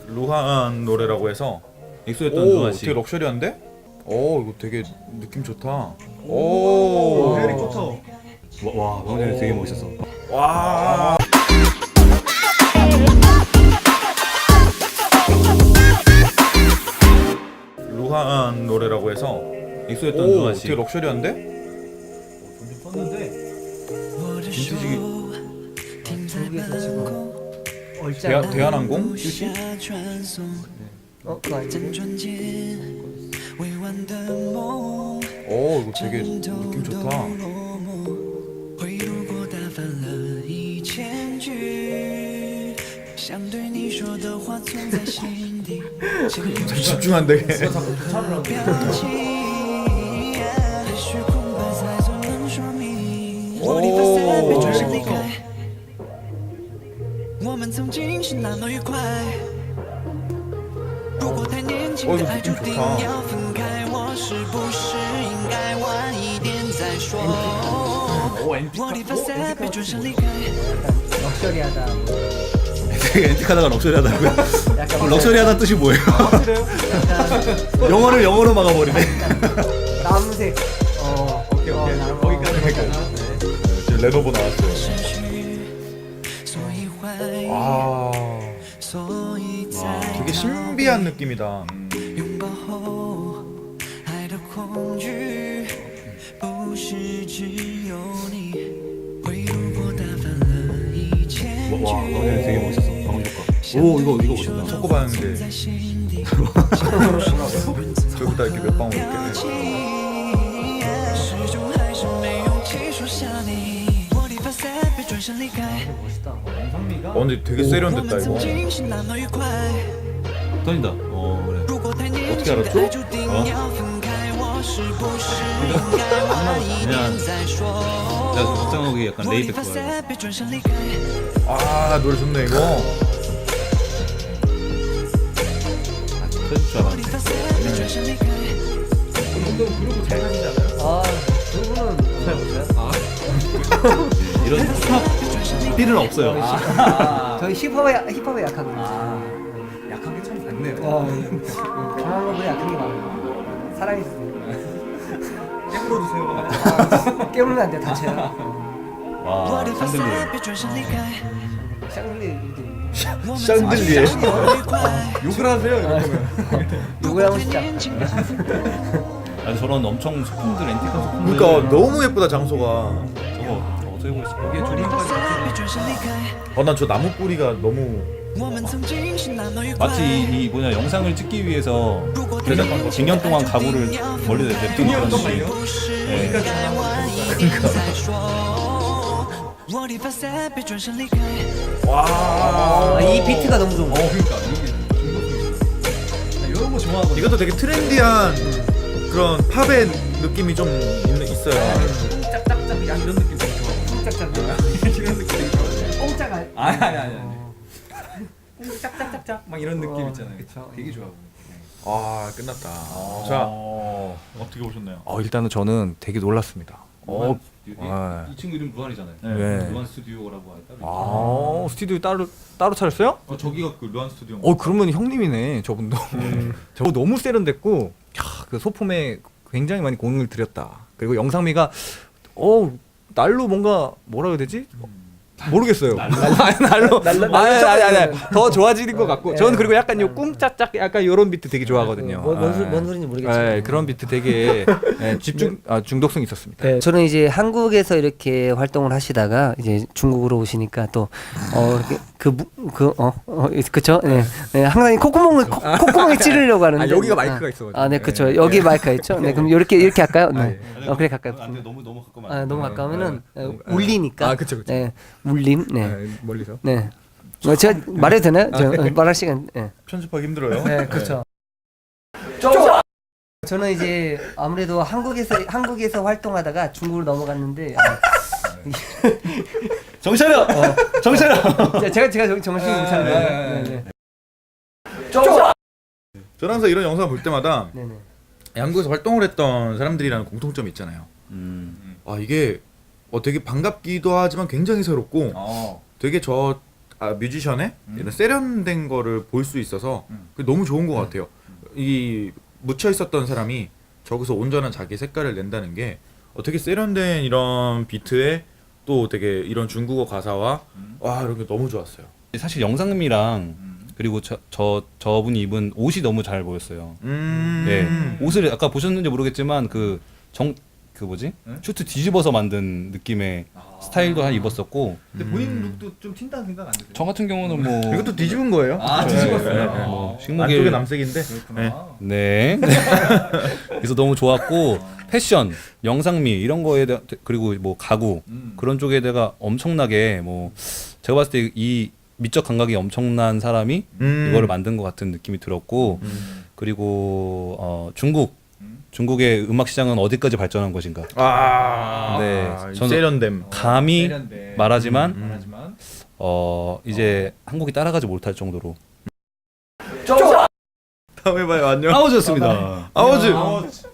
루한 노래라고 해서 엑소였던 오 루한 씨. 되게 럭셔리한데? 오 이거 되게 느낌 좋다. 오 해리포터. 와, 방금 전에 되게 멋있었어. 와. 루한 노래라고 해서 엑소였던 오 루한 씨. 되게 럭셔리한데? 좀 썼는데. 빈티지 중국에서 지금 얼짱 대한항공? 휴시? 그거 아니지? 오 이거 되게 느낌 좋다. 집중 안 되게. 자꾸 도착을 하고. 오. 이거 느낌 좋다. 오 엔피카. 럭셔리하다 되게 엔틱하다가 럭셔리하다고요? 약간 럭셔리하다는 뜻이 뭐예요? 그래요? 약간 영어를 영어로 막아버리네. 남색 오케이 오케이. 나무. 거기까지 갈까요? 지금 레노버 나왔어요. 아 되게 신비한 느낌이다. 와, 방금 전에 되게 멋있었어. 방금 효과. 오, 이거 멋있다. 속고 봤는데 저기다 이렇게 몇 방울 이렇게. 멋있다 영상미가. 근데 되게 세련됐다 이거. 떨린다. 그래. 어떻게 알았죠? 그냥 내가 박장욱이 약간 레이백 좋아해. 아 노래 좋네 이거. 터질 줄 알았는데. 운동 그룹 잘 하시지 않아요? 두 분은 잘 못해요? 이런 힙합 필은 없어요. 저희 힙합에 약하거든요 약한 게 참 많네요. 강한 거보다 약한 게 많아요 사랑이 있어요 깨물어 주세요. 깨물면 안 돼요 다쳐요 와, 샹들리에. 샹들리에 샹들리에. 욕을 하세요 이러면. 욕을 하고 싶지 않다 아니 저런 엄청 소품들 엔틱한 소품들. 그러니까 너무 예쁘다 장소가. 저거 어떻게 보고 있을까? 이게 조립까지. 난 저 나무 뿌리가 너무. 마치 이 뭐냐 영상을 찍기 위해서 제작한 거 100년 동안 가구를 멀리서 냅둔 그런 식. 네. 와. 이 비트가 너무 좋은 거야 그러니까 이게 중독성이. 나 이런 거 좋아하거든. 이것도 되게 트렌디한 그런 팝의 느낌이 좀 있어요. 짝짝짝 약 이런 느낌 되게 좋아하고. 짝짝짝 이런 느낌 되게 좋아하고. 꽁짜가 아니. 짝짝짝짝 막 이런 느낌 있잖아요. 그쵸. 되게 좋아하고. 아 끝났다. 자 어떻게 보셨나요? 일단은 저는 되게 놀랐습니다. 이 친구 이름 루안이잖아요. 네. 루안 스튜디오라고 따로 있어요. 스튜디오 따로 차렸어요? 저기가 그 루안 스튜디오. 그러면 형님이네, 저분도. 저거 너무 세련됐고, 그 소품에 굉장히 많이 공을 들였다. 그리고 영상미가, 날로 뭔가, 뭐라 해야 되지? 모르겠어요. 날로. 아니. 더 좋아지는 것 같고. 저는 그리고 약간 요 꿍짝짝 약간 요런 비트 되게 좋아하거든요. 뭔 소리인지 모르겠지만 그런 비트 되게 중독성이 있었습니다. 네, 저는 이제 한국에서 이렇게 활동을 하시다가 이제 중국으로 오시니까 또 그쵸? 네, 네, 항상 콧구멍에 찌르려고 하는데 여기가 마이크가 있어가지고. 네, 그쵸. 여기 마이크가 있죠. 네, 그럼 이렇게 할까요? 네. 그래 갈까요? 안돼 너무 가까우면 너무 가까우면은 울리니까. 그쵸. 네, 울림. 네, 멀리서. 네. 제가 말해도 되나요? 말할 시간. 네, 편집하기 힘들어요. 네, 그렇죠. 저는 이제 아무래도 한국에서 활동하다가 중국으로 넘어갔는데 정차려. 정차려. 제가 정신이 못 차려요. 네. 저는 항상 이런 영상을 볼 때마다 네네. 한국에서 활동을 했던 사람들이라는 공통점이 있잖아요. 이게 되게 반갑기도 하지만 굉장히 새롭고 되게 저 뮤지션의 이런 세련된 거를 볼 수 있어서 그게 너무 좋은 것 같아요. 이 묻혀 있었던 사람이 저기서 온전한 자기 색깔을 낸다는 게 되게 세련된 이런 비트에 또 되게 이런 중국어 가사와 와 이런 게 너무 좋았어요. 사실 영상미랑 그리고 저분이 입은 옷이 너무 잘 보였어요. 네, 옷을 아까 보셨는지 모르겠지만 그 뭐지? 슈트 뒤집어서 만든 느낌의 스타일도 한 입었었고. 근데 본인 룩도 좀 튄다는 생각 안 드세요? 저 같은 경우는 뭐 이것도 뒤집은 거예요? 아, 뒤집었어요. 네. 뭐 안쪽에 식목일 남색인데. 그렇구나. 네. 그래서 너무 좋았고 패션, 영상미 이런 거에 대해 그리고 뭐 가구 그런 쪽에 대가 엄청나게 뭐 제가 봤을 때 이 미적 감각이 엄청난 사람이 이거를 만든 것 같은 느낌이 들었고 그리고 중국의 음악 시장은 어디까지 발전한 것인가? 네, 저는 세련됨. 감히 세련돼. 말하지만 말하지만 이제 한국이 따라가지 못할 정도로 다음에 봐요. 안녕. 아우즈였습니다. 아워즈. 아워즈.